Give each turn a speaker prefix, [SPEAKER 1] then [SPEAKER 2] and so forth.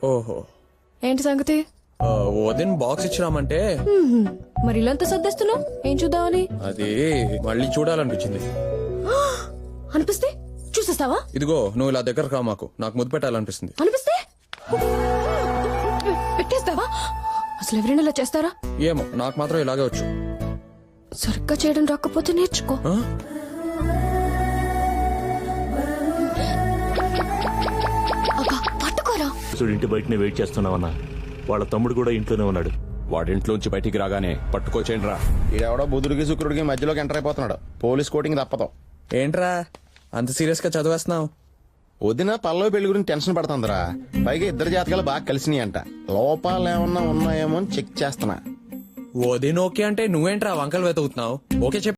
[SPEAKER 1] ఓహో.
[SPEAKER 2] ఏంటి సంగతి?
[SPEAKER 1] వదిన బాక్స్ ఇచ్చిరామంటే
[SPEAKER 2] మరి ఇల్లంతా సర్దేస్తున్నావు, ఏం చూద్దామని?
[SPEAKER 1] అది మళ్ళీ చూడాలనిపించింది.
[SPEAKER 2] అనిపిస్తే చూసేస్తావా?
[SPEAKER 1] ఇదిగో నువ్వు ఇలా దగ్గర రా, మాకు నాకు ముద్దు పెట్టాలనిపిస్తుంది.
[SPEAKER 2] అనిపిస్తే పెట్టేస్తావా? అసలు ఎవరైనా ఇలా చేస్తారా?
[SPEAKER 1] ఏమో, నాకు మాత్రం ఇలాగే వచ్చు.
[SPEAKER 2] సరిగ్గా చేయడం రాకపోతే నేర్చుకో.
[SPEAKER 1] ఆ?
[SPEAKER 2] అబ్బా, పట్టుకోరా.
[SPEAKER 3] ఇంటి బయటనే వెయిట్ చేస్తున్నావన్నా. వాళ్ళ తమ్ముడు కూడా ఇంట్లోనే ఉన్నాడు.
[SPEAKER 4] వాడింట్లోంచి బయటికి రాగానే పట్టుకోచేయండి రా.
[SPEAKER 5] ఈడెవడో బుధుడికి శుక్రుడికి మధ్యలోకి ఎంటర్ అయిపోతున్నాడు. పోలీస్ కోటింగ్ తప్పదు.
[SPEAKER 1] ఏంట్రా అంత సీరియస్ గా చదివేస్తున్నావు?
[SPEAKER 5] వదిన పల్లవి పెళ్లి గురించి టెన్షన్ పడుతుందిరా. పైగా ఇద్దరు జాతకాలు బాగా కలిసినాయి అంట. లోపాలు ఏమన్నా ఉన్నాయేమో అని చెక్ చేస్తున్నా.
[SPEAKER 1] వదిన ఓకే అంటే నువ్వేంట్రా వంకలు వెతుకుతున్నావు? ఓకే చెప్పు.